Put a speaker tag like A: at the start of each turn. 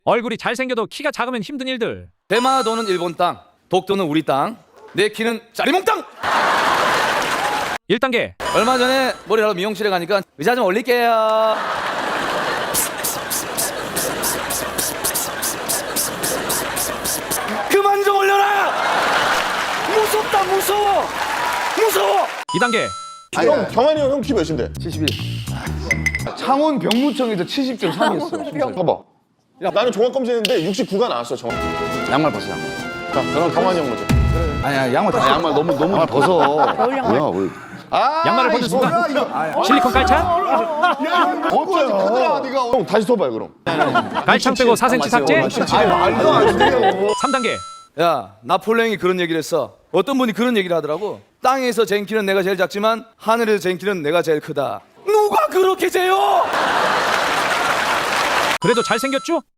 A: 얼굴이 잘생겨도 키가 작으면 힘든 일들.
B: 대마도는 일본 땅, 독도는 우리 땅, 내 키는 짜리몽 땅.
A: 1단계.
B: 얼마 전에 머리하러 미용실에 가니까 의자 좀 올릴게요. 그만 좀 올려라. 무섭다, 무서워.
A: 2단계.
C: 형 경환이 형 키 몇인데?
B: 71. 창원 병무청에서 70.3이었어.
C: 봐봐. 야 나는 종합 검사했는데 69가 나왔어 정확.
B: 양말 벗어, 양말.
C: 자 그럼 경환이 형 먼저.
B: 아니야, 양말 다 양말 너무 벗어.
D: 겨울 양말.
A: 양말을 벗는 순간 실리콘 깔창?
C: 어거야 크더라 네가. 형 다시 써봐요 그럼.
A: 깔창 빼고 4cm 삭제?
C: 말도 안 돼요.
A: 3단계.
B: 야, 나폴레옹이 그런 얘기를 했어. 어떤 분이 그런 얘기를 하더라고. 땅에서 잰 키는 내가 제일 작지만 하늘에서 잰 키는 내가 제일 크다. 누가 그렇게 재요?
A: 그래도 잘생겼죠?